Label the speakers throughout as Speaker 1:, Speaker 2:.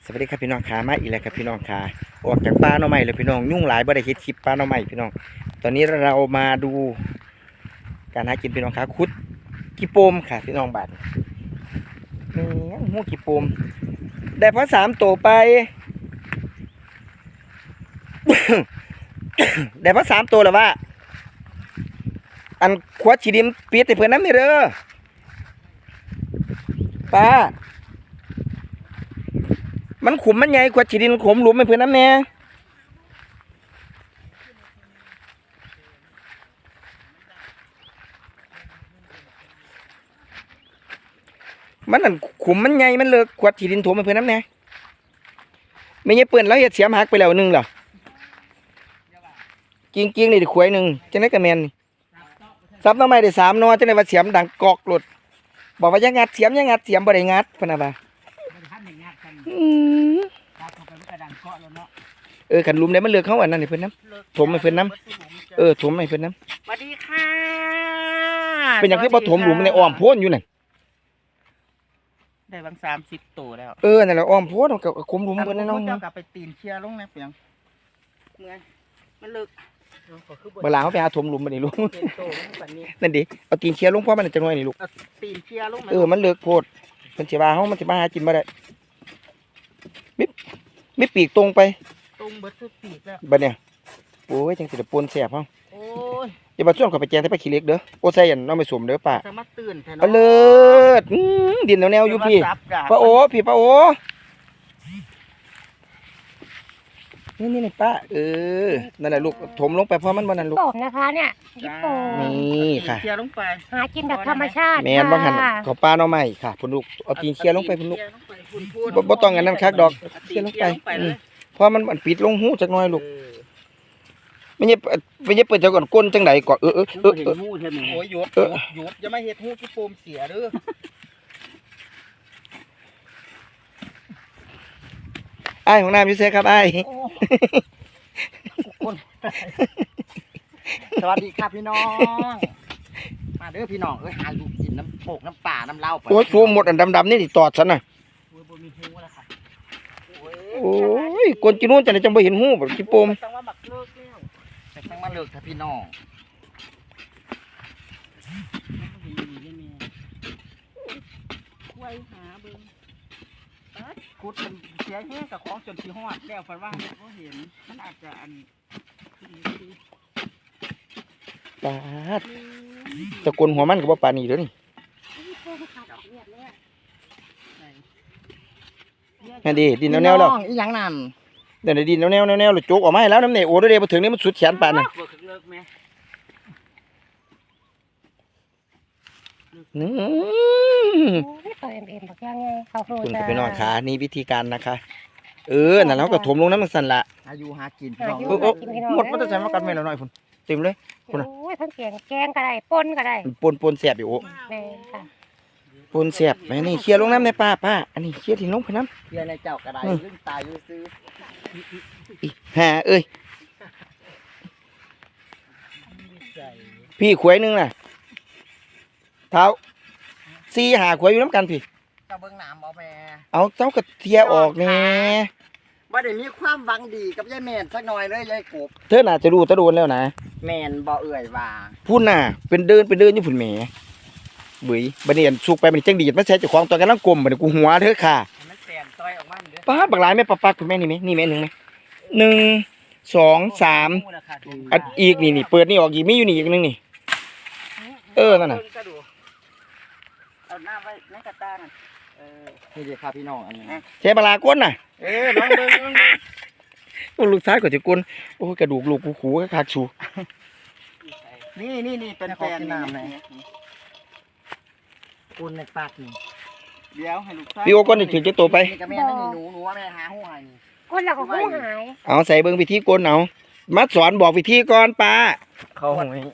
Speaker 1: สวัสดีครับพี่น้องขามาอีกแล้วครับพี่น้องขาออกจากป่าหน่อไม้เลยพี่น้องยุ่งหลายบ่ได้เฮ็ดคลิปป่าหน่อไม้พี่น้องตอนนี้เรามาดูการหากินพี่น้องขาคุดกี่โปมค่ะพี่น้องบาดแม่งหูกี่โปมได้พอ3ตัวไป ได้พอ3ตัวแล้วว่าอันขวดฉีดิมปิดให้เพิ่นนำนี่เด้อป้ามันขุมมันใหญ่ขวดฉีดินขมหลุมให้เพิ่นนำแน่มันนั่นขุมมันใหญ่มันเลิกขวดฉีดินถมให้เพิ่นนำแน่ไม่ใช่เปิ้นแล้วเฮ็ดเสียมหักไปแล้วนึงเหรอกิ้งนี่ดิขวยนึงจังได๋ก็แม่นนี่ซับหน่อไม้ได้3หน่อจังได๋ว่าเสียมดังกอกหลุดบอกว่าอย่างัดเสียมอย่างัดเสียมบ่ได้งัดเพิ่นน่ะว่าคันหลุมได้มันเลิกเขาอันนั้นให้เพิ่นนำถมให้เพิ่นนำถมให้เพิ่นนำ
Speaker 2: สวัสดีค่ะ
Speaker 1: เป็นหยังคือบ่ถมหลุมในอ้อมโพนอยู่นั่น
Speaker 2: ได้บาง30ตัวแล้ว
Speaker 1: นั่นแหละอ้อมโพนกับคุมหลุมเพิ่นน้อง
Speaker 2: เจ้ากลับไปตีนเชียร์ลงนะเปียงเมื่อยมันเลิก
Speaker 1: เวลาเขาไปหาถมหลุมบัดนี้ลูกนั่นดิเอาตีนเชียร์ลงเพราะมันจะน้อยนี่ลูก
Speaker 2: ตีนเชียร์ลง
Speaker 1: มันเลิกโพดเพิ่นสิว่าเฮามันสิมาหากินบ่ได้มีปีกตรงไป
Speaker 2: ตรงเบิดสุดปีกแล้ว
Speaker 1: บัดเนี่ยโอ้ยจังสิได้ปนแซ่บเฮา
Speaker 2: โอ้ย
Speaker 1: อย่ามาส่วนเขาไปแจงแต่ไปขี้เล็กเด้อโอ้ใส่อันน้องไปสวมเด้อป้า
Speaker 2: สามารถตื่นแท้เนาะ
Speaker 1: เลิศดินแนวๆอยู่พี่ป้าโอ้พี่ป้าโอ้นี่ป้านั่นแหละลูกถมลงไปเพราะมันบ่นั่นลูก
Speaker 3: โป่งนะคะเนี่ยยิปโป่ง
Speaker 1: นี่ค่ะ
Speaker 2: เชียร์ลงไป
Speaker 3: หากินแบบธรรมชาติ
Speaker 1: แม่นบ่หั่นเขาป้าน้องใหม่ค่ะพุ่นลูกเอาตีนเคี่ยลงไปพุ่นลูกบ่ต้องอันนั้นคักดอกเคี่ยลงไปเพราะมันปิดลงหูจักหน่อยลูกไม่ใช่เปิดจักก่อนก้นจังได๋ก่อน
Speaker 2: เห็นหูใช่มั้ยโอ้ยหยุดอย่ามาเฮ็ดหูที่โปมเสียเด้อ
Speaker 1: อ้ายของน้ำอยู่ไสครับอ้าย
Speaker 2: สวัสดีครับพี่น้องมาเด้อพี่น้องหาอยู่กินน้ำโปกน้ำป่าน้ำเล่าไป
Speaker 1: โอ้ยฟูหมดอันดำๆนี่ตอดซะน่ะโอ้ยกวนกินนู่นจังได๋จังบ่เห็นหูบ่ขี้โปม
Speaker 2: ต้องว่าบักเลิกแล้วแต่ต้องมาเลิกถ้าพี่น้องคุยหาเบิ่งกุดมันเสียแห้งกับของจนที่ฮอดแล้วฝันว่าเขาเห็นมันอาจจะอัน
Speaker 1: ปาดตะกนหัวมันก็บ่ปานนี้เด้อนี่นั่นดิดินแนวๆแล้ว
Speaker 2: อีหยังนั่น
Speaker 1: เดี๋ยวดินแนวๆแล้วโจกออกมาให้แล้วน้ำเนี่ยโอ้เด้บ่ถึงนี่มันสุดแขนปานน่ะ
Speaker 3: ตัวเอ็มบอกยังไงเขาครู
Speaker 1: คุณ
Speaker 3: จะ
Speaker 1: ไปนอนขานี่วิธีการนะคะนั่นแล้วก็ถมลงน้ำมันสั่นละ
Speaker 2: อายุหากิน
Speaker 1: หมดมันจะใช้มากันไม่แล้วหน่อยคุณเต็มเลย
Speaker 3: คุณโอ้ยทั้งแกงก็ได้ปนก็ได้
Speaker 1: ปนแสบอยู่โอ้ปนแสบแม่นี่เคลียร์ลงน้ำในป้าอันนี้เคลียร์ทิ้งลงไปน้ำ
Speaker 2: เคลียร์ในเจ้ากระไดขึ้นตายอยู่ซื้อ
Speaker 1: พี่ขวยนึงน่ะเท้า4 5ขวยอยู่น้ำกันพี่
Speaker 2: เจ้าเบิ้งหนามบ่แม่
Speaker 1: เอาเจ้ากระเทียออกแน่
Speaker 2: บ่ได้มีความหวังดีกับยายแม่นสักหน่อยเลยยายกบ
Speaker 1: เธอน่าจะรู้ตะโดนแล้วนะ
Speaker 2: แม่นบ่เอื่อยว่า
Speaker 1: พูดน่ะเป็นเดินอยู่พุ่นแหมบุ๋ยบัดนี้สุกไปมันจังดีดมาใส่เจ้าของตัวกันลังกลมบัดนี้กูหัวเธอค่ะ
Speaker 2: มันแตนต้อยออกมาเด้อ
Speaker 1: ป้าบักหลายแม่ปักคุณแม่นี่มั้ยนี่แม่1มั้ย1 2 3อันอีกนี่เปิดนี่ออกอีกมีอยู่นี่อีกนึงนี่นั่นน่ะ
Speaker 2: เอาหน้าไว้ในกระตาน่ะนี่เด้ครับพี่น้องอันนี้
Speaker 1: ใช้ปลาก้นน่ะ
Speaker 2: น้องเบิ่ง
Speaker 1: ลูกชายก็จะก้นโอ้กระดูกลูกกูขู่คักชู
Speaker 2: นี่เป็นแฟนน้ำนี่ก้นในปากนี่เดี๋ยวให้ลูกชาย
Speaker 1: พี่โอ้ก้นนี่ถึงจะโตไป
Speaker 2: นี่ก็แม่นั่นนี่หนูว่าแม่หาหูหายนี่
Speaker 3: ก้นเราก็หูหาย
Speaker 1: เอาใส่เบิ่งวิธีก้นเอามาสอนบอกวิธีก่อนป้า
Speaker 2: เขาหวย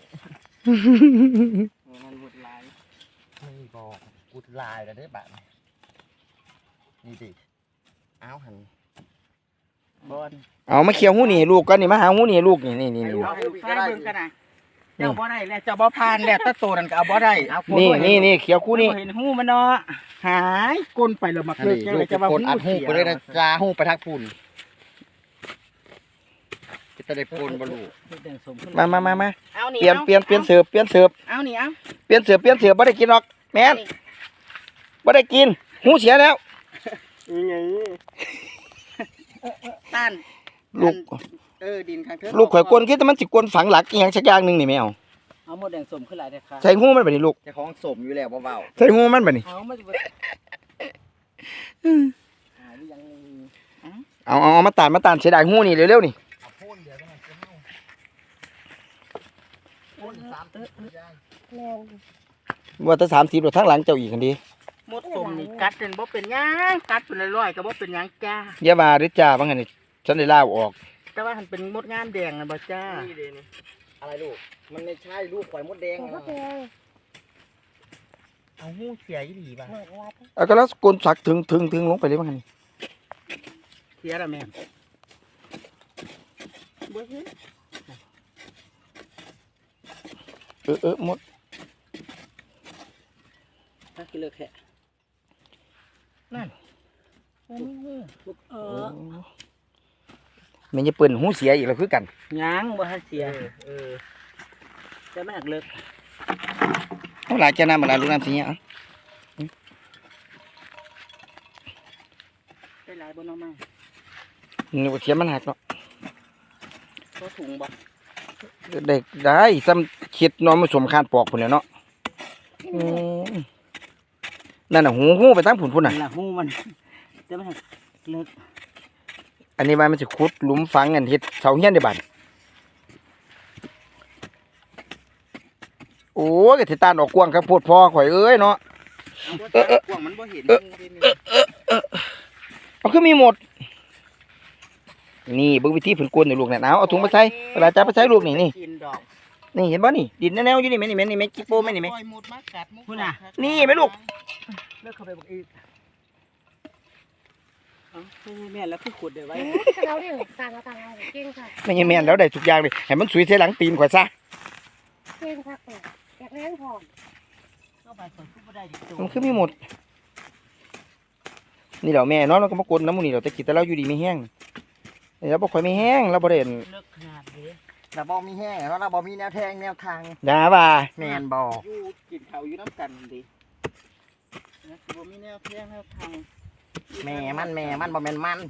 Speaker 2: มันบุดลายไม่บอกบุดลายแล้วได้บ้านนี่ดิเอาหันบอล
Speaker 1: เอามาเคี่ยวหูนี่ลูกก่อนนี่มาหาหูนี่ลูกนี่ลูก
Speaker 2: ให้ลูกชายเบิ่งกันนะเจ้าบ่ได้แล้วเจ้าบ่ผ่านแล้วตะโตนั่นก็เอาบ่ได้เอา
Speaker 1: นี่เขียวคู่นี่
Speaker 2: เห็นหูมันเนาะหายก้นไปแล้วมา
Speaker 4: อัน
Speaker 2: เกิด
Speaker 4: นี้
Speaker 2: จัง
Speaker 4: ลู
Speaker 2: เล
Speaker 4: ก
Speaker 2: ยจะว่า
Speaker 4: โกนอัดหูไปเลยนะจ้าหูไปทักปุ่นจะได้ปนบ่ลูก
Speaker 1: มา
Speaker 2: เอานี่
Speaker 1: เปลี่ยนเสิร์ฟ
Speaker 2: เอานี่เอา
Speaker 1: เปลี่ยนเสิร์ฟบ่ได้กินหรอกแม่นบ่ได้กินหูเสียแล้ว
Speaker 2: ยังไงต้าน
Speaker 1: ลูก
Speaker 2: ดินข้างเทิง
Speaker 1: ลูกข่อยกวนคิดแต่มันสิกวนฝังหลักอีหยังสักอย่างหนึงนี่แม่เอา
Speaker 2: เอาหมดแดงสมขึ้นหลายเลยค่ะ
Speaker 1: ใส่หูมันบัดนี้ลูก
Speaker 4: เจะของสมอยู่แล้วเบา
Speaker 1: ใส่หูมันบัดนี้
Speaker 2: เอามาดูยัง
Speaker 1: เอามาตานเสียดายหูนี่เร็วๆนี่
Speaker 3: แม่น
Speaker 1: ว่าแต่30แล้วทางหลังเจ้าอีกคันดี
Speaker 2: หมดสมนี่กัดเป็นบ่เป็นหยังกัดเป็นร้อยๆก็บ่เป็นหยังจ้า
Speaker 1: อย่าว่าเด้อจ้าว่างั้นนี่ฉันได้ลาออก
Speaker 2: แต่ว่ามันเป็นมดงามแดงนะบ่จ้า
Speaker 4: นี่เลยนี่อะไรลูกมันไม่ใช่ลูกข่อยมดแดง
Speaker 3: ตัวก็แกง
Speaker 2: เอาหูเสียอีหลีบ่
Speaker 3: หน่อยว่า
Speaker 1: เอาก็แล้วกวนสักถึงลงไปเลยว่างั้นนี่
Speaker 2: เสียละแม่บ่เห็น
Speaker 1: หมด
Speaker 2: ถ้ากินเลิกแค่นั่น
Speaker 1: แม่นอย่าเปิ้นหูเสียอีกแล้วคือกัน
Speaker 2: ยังบ่ทันเสียจะไม่หักเลิก
Speaker 1: เอาหลายแก่น้ำมาหลายลูกน้ำสิเนี่ยเอา
Speaker 2: ได้หลายบ่น้องมา
Speaker 1: นี่ว่าเสียมันหักเนาะ
Speaker 2: ก็ถุงบ่
Speaker 1: ได้ซ้ำคิดน้องมาสมคานปอกพุ่นแหล้วเนาะอืมนั่นน่ะหูไปทางพุ่นน่ะ
Speaker 2: นี่ล่ะหูมันจะไม่หักเลิก
Speaker 1: อันนี้ว่ามันสิขุดหลุมฝังอันเฮ็ดเสาเฮียนได้บัดโอ้ยก็สิตานออกกว้างครับโพดพ่อข่อยเอ้ยเนาะ
Speaker 2: กว้างมันบ่เห็น
Speaker 1: เอาคือมีหมด นี่เบิ่งวิธีเพิ่นกวนนี่ลูกเนี่ยเอาถุงมาใส่เวลาจับไปใส่ลูกนี่นี่
Speaker 2: กินดอก
Speaker 1: นี่เห็นบ่นี่ดินแนวๆอยู่นี่แม่นี่แม่นี่แม่จิโปแม่นี่แม่
Speaker 2: ปล่อยหมดมากัดมุกพุ่นน่ะ
Speaker 1: นี่แม่ลูก
Speaker 2: เลิกเข้าไปบอกอีกเอ้าแม่แล้วคือขุดได้ไว้
Speaker 3: ก็เราเนี่ยต่างเอาเก่งค่ะ
Speaker 1: ไม่ใช่แม่นแล้วได้ทุกอย่างเลยให้มันสวยใส่หลังตีนข่อยซะ
Speaker 3: เก่งค่ะอยากเลี้ยงพร้อม
Speaker 2: เข้าไปส่วนคือบ่ได้ดิโต
Speaker 1: มันคือมีหมด นี่เดี๋ยวแม่เนาะเราก็มากวนน้ำมูนี่เดี๋ยวแต่กินแต่เราอยู่ดีไม่แห้งแล้วบ่ค่อยไม่แห้งเราบ่ได้
Speaker 2: เลิกขนาดนี้
Speaker 4: แต่บ่มีแห้งแล้วเราบ่มีแนวแทงแนวทาง
Speaker 1: ด่าว่า
Speaker 4: แมนบ่
Speaker 2: อยู่กินข้าวอยู่น้ำกันดินะคือบ่มีแนวเพียงแนวทาง
Speaker 4: แม่มันบ่แม่นมัน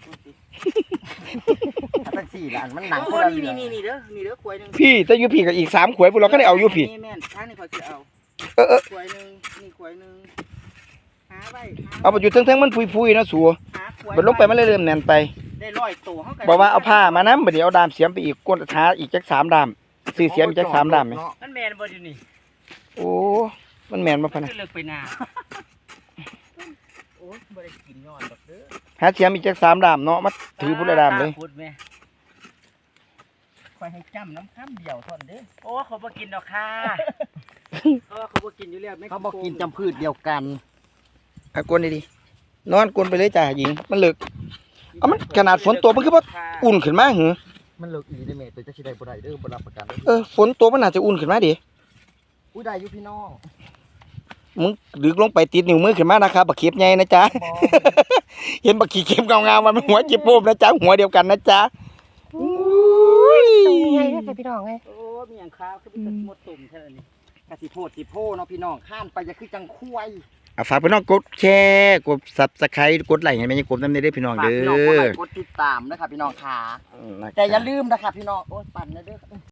Speaker 4: ถ้าตั้งสี่ละอันมันหนัง
Speaker 2: โอ้
Speaker 4: คนละ
Speaker 2: นี่
Speaker 4: เรื่อง
Speaker 2: นี่เด้อนี่เด้อขวายหนึง
Speaker 1: พี่แต่อยู่พี่กับอีก3ขวดพวกเราก็ได้เอาอยู่พี่
Speaker 2: แม่นทางนี้ขอยสิเอาขวายหนึงนี่ขวายหนึงหาไว้
Speaker 1: เอาไปอยู่เทิงๆมันพุยๆนะสัว
Speaker 2: หาขวาย
Speaker 1: บัดลงไปมันเลยเริ่มแน่นไป
Speaker 2: ได้ร้อยตัวเฮาก็
Speaker 1: บอกว่าเอาผ้ามานำบัดนี้เอาดามเสียมไปอีกกวนท้าอีกจัก3ดามซื้อเสียมอีกจัก3ดามไหม
Speaker 2: มันแม่นบ่อยู่นี่
Speaker 1: โอ้มันแม่นบ่พะนะ
Speaker 2: คือเลิกไปนาโอ้ยบ่ได้กินยอดดอกเด้อ
Speaker 1: หาเสียมอีกจัก3ดามเนาะมาถือพุ่นละดามเลย
Speaker 2: พูดแม่คอยให้จำน้ำข้ามเดียวทนเด้อโอ้เขาบ่กินดอกค่ะเขาบ่กินอยู่แล้ว
Speaker 4: เขาบอกกินจำพืชเดียวกัน
Speaker 1: อ่ะกวนดีๆนอนกวนไปเลยจ้าหญิงมันเลิกเอามันขนาดฝนตกมันคือบ่อุ่นขึ้นมาหือ
Speaker 4: มันเลิกอีได้แม่ตัวจะสิได้บ่ได้เด้อบ่รับประกันเด้อ
Speaker 1: ฝนตกมันน่าจะอุ่นขึ้นมาดิ
Speaker 4: อุ้ยได้อยู่พี่น้อง
Speaker 1: มึงดึกลงไปติดนิ้วมือขึ้นมานะครับบักเข็บใหญ่นะจ๊ะ
Speaker 4: บ่
Speaker 1: เห็นบักขี้เข็มเงาๆมันหัวจิบโปมนะจ๊ะหัวเดียวกันนะจ๊ะอุ้ย
Speaker 3: ไงก็ใส่พี่น้องไง
Speaker 2: โอ้มีอย่างข้าวคือเป็นหมดตุ่มเท่านี้
Speaker 4: กะสิโพดสิโพเนาะพี่น้องข้ามไปจะคือจังควาย
Speaker 1: อ่ะฝากพี่น้องกดแชร์กด Subscribe กดไลค์ให้แม่ยังกดน้ำได้พี่น้อง
Speaker 4: ฝาก
Speaker 1: เด้
Speaker 4: พี่น้องกดไล
Speaker 1: อ
Speaker 4: ค์กดติดตามนะครับพี่น้องค่ะ
Speaker 1: นะครับ
Speaker 4: แต่อย่าลืมนะครับพี่น้องโอ้ยปั่นนะเด้อ